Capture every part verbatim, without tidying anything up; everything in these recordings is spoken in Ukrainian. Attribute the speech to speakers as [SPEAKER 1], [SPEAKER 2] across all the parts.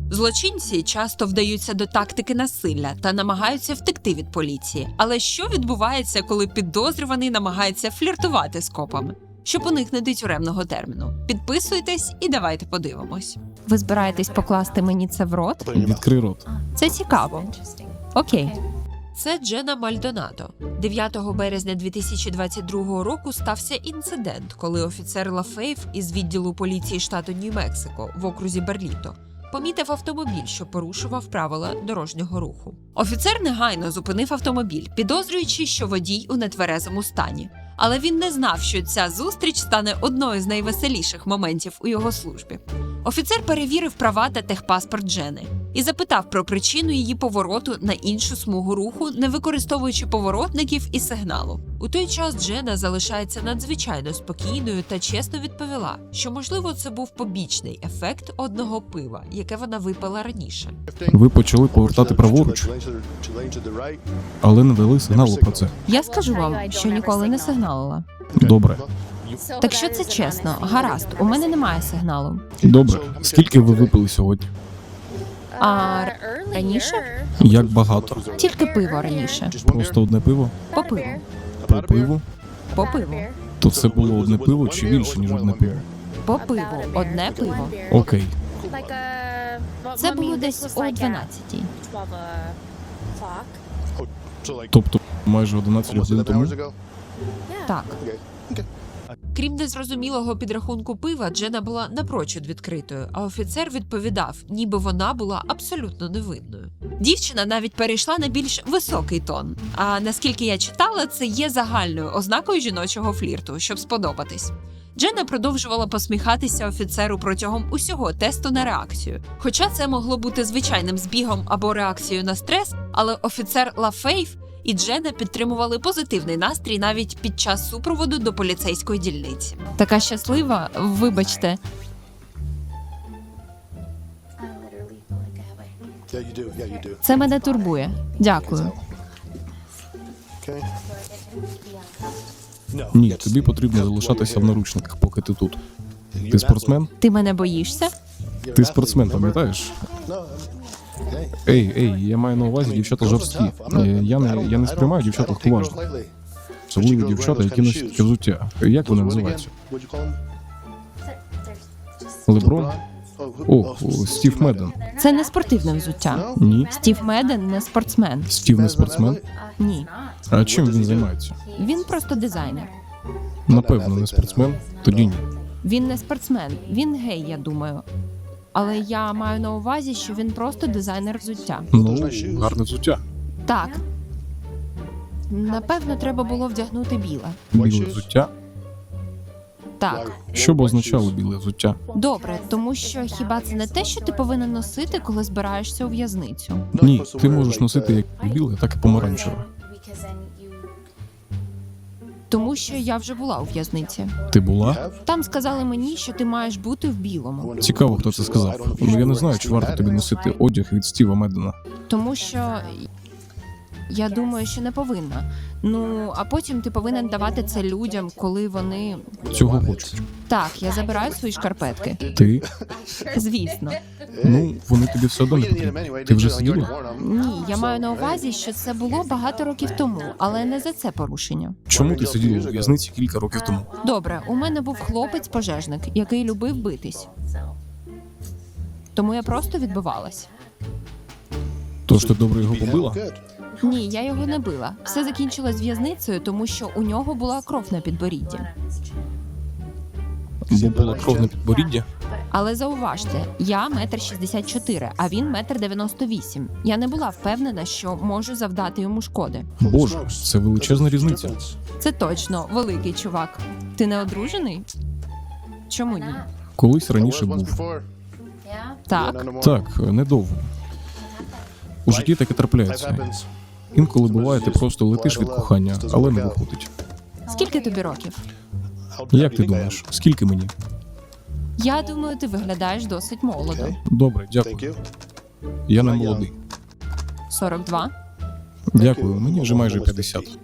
[SPEAKER 1] Злочинці часто вдаються до тактики насилля та намагаються втекти від поліції. Але що відбувається, коли підозрюваний намагається фліртувати з копами? Щоб уникнути тюремного терміну. Підписуйтесь і давайте подивимось. Ви збираєтесь покласти мені це в рот?
[SPEAKER 2] Відкрий рот.
[SPEAKER 1] Це цікаво. Окей. Це Джена Мальдонадо. дев'ятого березня дві тисячі двадцять другого року стався інцидент, коли офіцер Лафейв із відділу поліції штату Нью-Мексико в окрузі Берліто помітив автомобіль, що порушував правила дорожнього руху. Офіцер негайно зупинив автомобіль, підозрюючи, що водій у нетверезому стані. Але він не знав, що ця зустріч стане одною з найвеселіших моментів у його службі. Офіцер перевірив права та техпаспорт Джени і запитав про причину її повороту на іншу смугу руху, не використовуючи поворотників і сигналу. У той час Джена залишається надзвичайно спокійною та чесно відповіла, що, можливо, це був побічний ефект одного пива, яке вона випила раніше.
[SPEAKER 2] Ви почали повертати праворуч, але не дали сигналу про це.
[SPEAKER 1] Я скажу вам, що ніколи не сигналила.
[SPEAKER 2] Добре.
[SPEAKER 1] Так що це чесно, гаразд, у мене немає сигналу.
[SPEAKER 2] Добре. Скільки ви випили сьогодні?
[SPEAKER 1] А раніше?
[SPEAKER 2] Як багато?
[SPEAKER 1] Тільки пиво раніше.
[SPEAKER 2] Просто одне пиво?
[SPEAKER 1] По пиву.
[SPEAKER 2] По пиву?
[SPEAKER 1] По пиву.
[SPEAKER 2] То це було одне пиво чи більше, ніж одне пиво?
[SPEAKER 1] По пиву. Одне пиво.
[SPEAKER 2] Окей.
[SPEAKER 1] Це було десь о дванадцятій.
[SPEAKER 2] Тобто майже одинадцять годин тому?
[SPEAKER 1] Так. Крім незрозумілого підрахунку пива, Джена була напрочуд відкритою, а офіцер відповідав, ніби вона була абсолютно невинною. Дівчина навіть перейшла на більш високий тон. А наскільки я читала, це є загальною ознакою жіночого флірту, щоб сподобатись. Джена продовжувала посміхатися офіцеру протягом усього тесту на реакцію. Хоча це могло бути звичайним збігом або реакцією на стрес, але офіцер Лафейв і Джена підтримували позитивний настрій навіть під час супроводу до поліцейської дільниці. Така щаслива, вибачте. Це мене турбує. Дякую.
[SPEAKER 2] Ні, тобі потрібно залишатися в наручниках, поки ти тут. Ти спортсмен?
[SPEAKER 1] Ти мене боїшся?
[SPEAKER 2] Ти спортсмен, пам'ятаєш? Ей, ей, я маю на увазі дівчата жорсткі. Е, Я не, я не сприймаю дівчат легковажно. Особливо дівчата, які носять таке взуття. Як вони називаються? Леброн? О, о, Стів Меден.
[SPEAKER 1] Це не спортивне взуття.
[SPEAKER 2] Ні.
[SPEAKER 1] Стів Меден не спортсмен.
[SPEAKER 2] Стів не спортсмен?
[SPEAKER 1] Ні.
[SPEAKER 2] А чим він займається?
[SPEAKER 1] Він просто дизайнер.
[SPEAKER 2] Напевно, не спортсмен? Тоді ні.
[SPEAKER 1] Він не спортсмен, він гей, я думаю. Але я маю на увазі, що він просто дизайнер взуття.
[SPEAKER 2] Ну, гарне взуття.
[SPEAKER 1] Так. Напевно, треба було вдягнути біле.
[SPEAKER 2] Біле взуття?
[SPEAKER 1] Так.
[SPEAKER 2] Що б означало біле взуття?
[SPEAKER 1] Добре, тому що хіба це не те, що ти повинен носити, коли збираєшся у в'язницю?
[SPEAKER 2] Ні, ти можеш носити як біле, так і помаранчеве.
[SPEAKER 1] Тому що я вже була у в'язниці.
[SPEAKER 2] Ти була?
[SPEAKER 1] Там сказали мені, що ти маєш бути в білому.
[SPEAKER 2] Цікаво, хто це сказав. Ну, я не знаю, чи варто тобі носити одяг від Стіва Медена.
[SPEAKER 1] Тому що я думаю, що не повинна. Ну, а потім ти повинен давати це людям, коли вони...
[SPEAKER 2] Цього хочуть.
[SPEAKER 1] Так, я забираю свої шкарпетки.
[SPEAKER 2] Ти?
[SPEAKER 1] Звісно.
[SPEAKER 2] Ну, вони тобі все одно не потрібні. Ти вже сиділа?
[SPEAKER 1] Ні, я маю на увазі, що це було багато років тому, але не за це порушення.
[SPEAKER 2] Чому ти сиділа у в'язниці кілька років тому?
[SPEAKER 1] Добре, у мене був хлопець-пожежник, який любив битись. Тому я просто відбивалась.
[SPEAKER 2] Тож ти добре його побила?
[SPEAKER 1] Ні, я його не била. Все закінчилось в'язницею, тому що у нього була кров на підборідді.
[SPEAKER 2] Бо була кров на підборідді?
[SPEAKER 1] Але зауважте, я метр шістдесят чотири, а він метр дев'яносто вісім. Я не була впевнена, що можу завдати йому шкоди.
[SPEAKER 2] Боже, це величезна різниця.
[SPEAKER 1] Це точно, великий чувак. Ти не одружений? Чому ні?
[SPEAKER 2] Колись раніше був.
[SPEAKER 1] Так.
[SPEAKER 2] Так, недовго. У житті таке трапляється. Інколи буває, ти просто летиш від кохання, але не виходить.
[SPEAKER 1] Скільки тобі років?
[SPEAKER 2] Як ти думаєш, скільки мені?
[SPEAKER 1] Я думаю, ти виглядаєш досить молодо.
[SPEAKER 2] Добре, дякую. Я не молодий.
[SPEAKER 1] сорок два?
[SPEAKER 2] Дякую, мені вже майже п'ятдесят.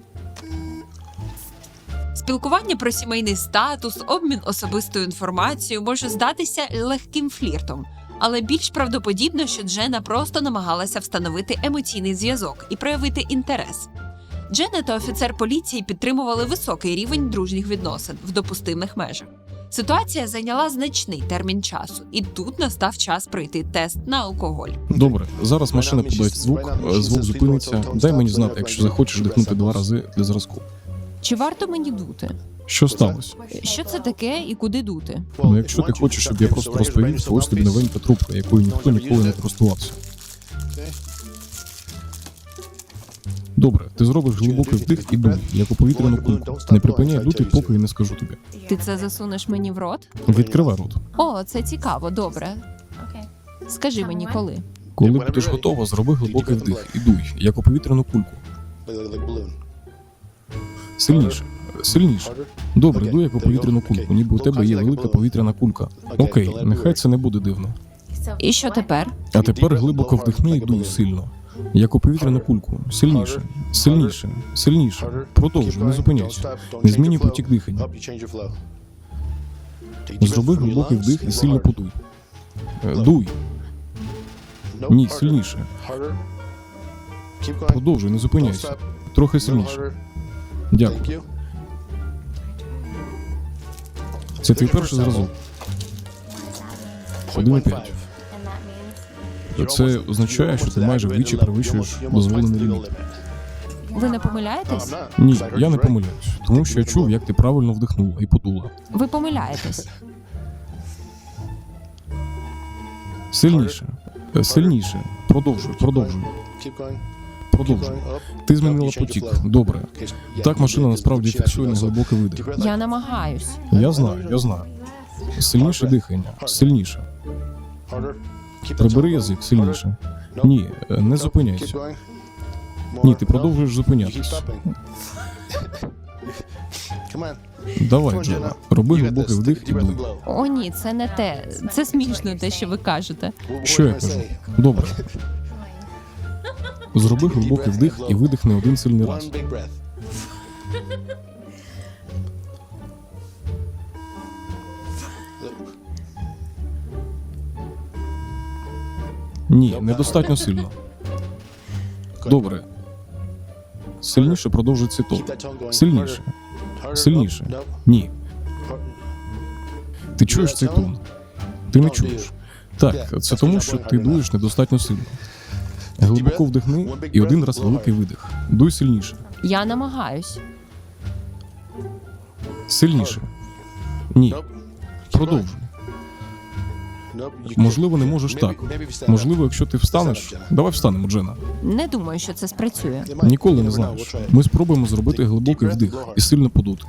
[SPEAKER 1] Спілкування про сімейний статус, обмін особистою інформацією може здатися легким фліртом. Але більш правдоподібно, що Джена просто намагалася встановити емоційний зв'язок і проявити інтерес. Джена та офіцер поліції підтримували високий рівень дружніх відносин в допустимих межах. Ситуація зайняла значний термін часу, і тут настав час пройти тест на алкоголь.
[SPEAKER 2] Добре, зараз машина подасть звук, е, звук зупиниться. Дай мені знати, якщо захочеш дихнути два рази для зразку.
[SPEAKER 1] Чи варто мені дути?
[SPEAKER 2] Що сталося?
[SPEAKER 1] Що це таке і куди дути?
[SPEAKER 2] Ну, якщо ти хочеш, щоб я просто розповів, то ось тобі новенька трубка, якою ніхто ніколи не користувався. Добре, ти зробиш глибокий вдих і дуй, як у повітряну кульку. Не припиняй дути, поки я не скажу тобі.
[SPEAKER 1] Ти це засунеш мені в рот?
[SPEAKER 2] Відкривай рот.
[SPEAKER 1] О, це цікаво, добре. Скажи мені, коли?
[SPEAKER 2] Коли будеш готова, зроби глибокий вдих і дуй, як у повітряну кульку. Сильніше, сильніше. Добре, дуй як у повітряну кульку, ніби у тебе є велика повітряна кулька. Окей, нехай це не буде дивно.
[SPEAKER 1] І що тепер?
[SPEAKER 2] А тепер глибоко вдихни і дуй сильно. Як у повітряну кульку. Сильніше, сильніше, сильніше. Продовжуй, не зупиняйся. Не змінюй потік дихання. Зроби глибокий вдих і сильно подуй. Е, Дуй. Ні, сильніше. Продовжуй, не зупиняйся. Трохи сильніше. Дякую. Це твій перший зразок. один і п'ять. Це означає, що ти майже вдвічі перевищуєш дозволений ліміт.
[SPEAKER 1] Ви не помиляєтесь?
[SPEAKER 2] Ні, я не помиляюсь, тому що я чув, як ти правильно вдихнула і подула.
[SPEAKER 1] Ви помиляєтесь.
[SPEAKER 2] Сильніше, Е, сильніше. Продовжуй, продовжуй, продовжуй. Ти змінила потік. Добре. Так машина насправді фіксує на глибокий видих.
[SPEAKER 1] Я намагаюсь.
[SPEAKER 2] Я знаю, я знаю. Сильніше дихання, сильніше. Прибери язик сильніше. Ні, е, не зупиняйся. Ні, ти продовжуєш зупинятись. Давай, Джена, роби глибокий вдих і дуй.
[SPEAKER 1] О, ні, це не те. Це смішно, те, що ви кажете.
[SPEAKER 2] Що я кажу? Добре. Зроби глибокий вдих і видихни один сильний раз. Ні, недостатньо сильно. Добре. Сильніше продовжуй цей тон. Сильніше. Сильніше. Ні. Ти чуєш цей тон? Ти не чуєш. Так, це тому, що ти дуєш недостатньо сильно. Глибоко вдихни і один раз великий видих. Дуй сильніше.
[SPEAKER 1] Я намагаюсь.
[SPEAKER 2] Сильніше. Ні. Продовжуй. Можливо, не можеш так. Можливо, якщо ти встанеш. Давай встанемо, Джена.
[SPEAKER 1] Не думаю, що це спрацює.
[SPEAKER 2] Ніколи не знаєш. Ми спробуємо зробити глибокий вдих і сильно подути.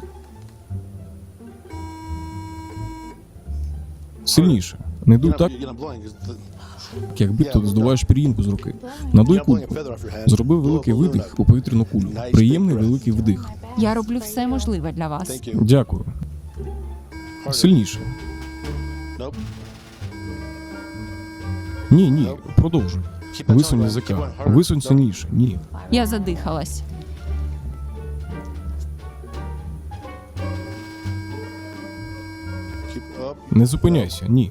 [SPEAKER 2] Сильніше. Не дуй так, якби ти здуваєш пір'їнку з руки. Надуй кульку. Зроби великий видих у повітряну кулю. Приємний великий вдих.
[SPEAKER 1] Я роблю все можливе для вас.
[SPEAKER 2] Дякую. Сильніше. Ні, ні, продовжуй. Висунь язика. Висунь сильніше. Ні.
[SPEAKER 1] Я задихалась.
[SPEAKER 2] Не зупиняйся. Ні.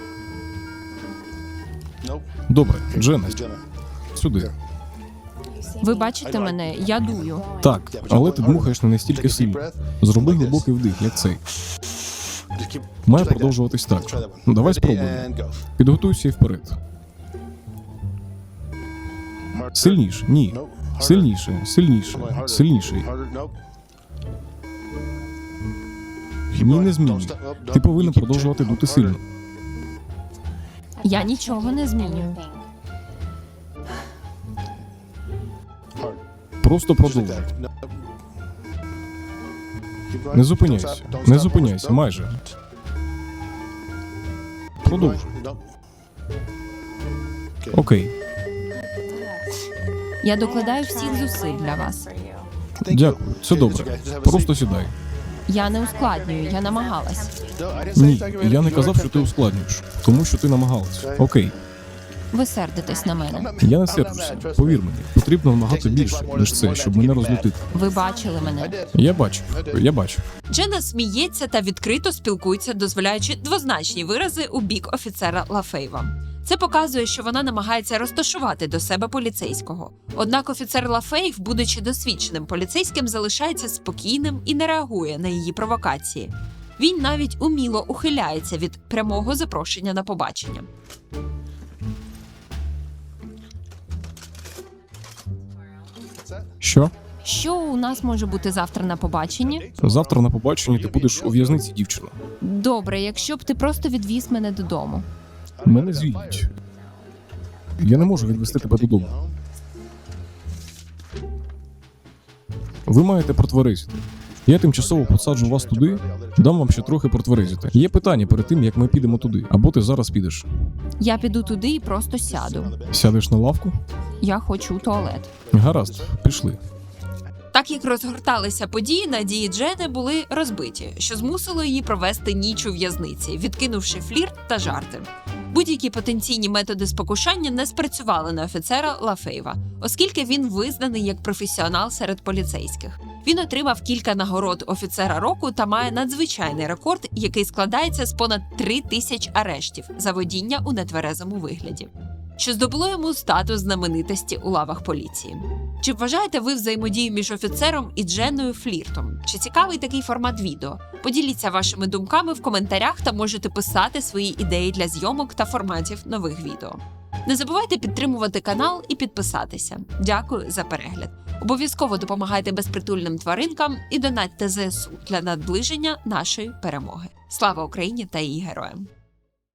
[SPEAKER 2] Добре, Джена, сюди.
[SPEAKER 1] Ви бачите мене, я дую.
[SPEAKER 2] Так, але ти дмухаєш не настільки сильно. Зроби глибокий вдих, як цей. Має продовжуватись так. Давай спробуємо. Підготуйся і вперед. Сильніше. Ні. Сильніше, сильніше, сильніше. Ні, не змінюй. Ти повинен продовжувати дути сильно.
[SPEAKER 1] Я нічого не змінюю.
[SPEAKER 2] Просто продовжуй. Не зупиняйся. Не зупиняйся, майже. Продовжуй. Окей.
[SPEAKER 1] Я докладаю всіх зусиль для вас.
[SPEAKER 2] Дякую. Це добре. Просто сідай.
[SPEAKER 1] Я не ускладнюю, я намагалась.
[SPEAKER 2] Ні, я не казав, що ти ускладнюєш, тому що ти намагалась. Окей.
[SPEAKER 3] Ви сердитесь на мене.
[SPEAKER 2] Я не сержуся. Повір мені, потрібно набагато більше, ніж це, щоб мене розлютити.
[SPEAKER 3] Ви бачили мене.
[SPEAKER 2] Я бачу, я бачу.
[SPEAKER 1] Джена сміється та відкрито спілкується, дозволяючи двозначні вирази у бік офіцера Лафейва. Це показує, що вона намагається розташувати до себе поліцейського. Однак офіцер Лафейв, будучи досвідченим поліцейським, залишається спокійним і не реагує на її провокації. Він навіть уміло ухиляється від прямого запрошення на побачення.
[SPEAKER 2] Що?
[SPEAKER 3] Що у нас може бути завтра на побаченні?
[SPEAKER 2] Завтра на побаченні ти будеш у в'язниці, дівчина.
[SPEAKER 3] Добре, якщо б ти просто відвіз мене додому.
[SPEAKER 2] Мене звільнять. Я не можу відвести тебе додому. Ви маєте протверезити. Я тимчасово посаджу вас туди, дам вам ще трохи протверезити. Є питання перед тим, як ми підемо туди. Або ти зараз підеш.
[SPEAKER 3] Я піду туди і просто сяду.
[SPEAKER 2] Сядеш на лавку?
[SPEAKER 3] Я хочу у туалет.
[SPEAKER 2] Гаразд, пішли.
[SPEAKER 1] Так як розгорталися події, надії Джени були розбиті, що змусило її провести ніч у в'язниці, відкинувши флірт та жарти. Будь-які потенційні методи спокушання не спрацювали на офіцера Лафейва, оскільки він визнаний як професіонал серед поліцейських. Він отримав кілька нагород офіцера року та має надзвичайний рекорд, який складається з понад три тисяч арештів за водіння у нетверезому вигляді, що здобуло йому статус знаменитості у лавах поліції. Чи вважаєте ви взаємодію між офіцером і Дженою фліртом? Чи цікавий такий формат відео? Поділіться вашими думками в коментарях та можете писати свої ідеї для зйомок та форматів нових відео. Не забувайте підтримувати канал і підписатися. Дякую за перегляд. Обов'язково допомагайте безпритульним тваринкам і донатьте зе ес у для наближення нашої перемоги. Слава Україні та її героям!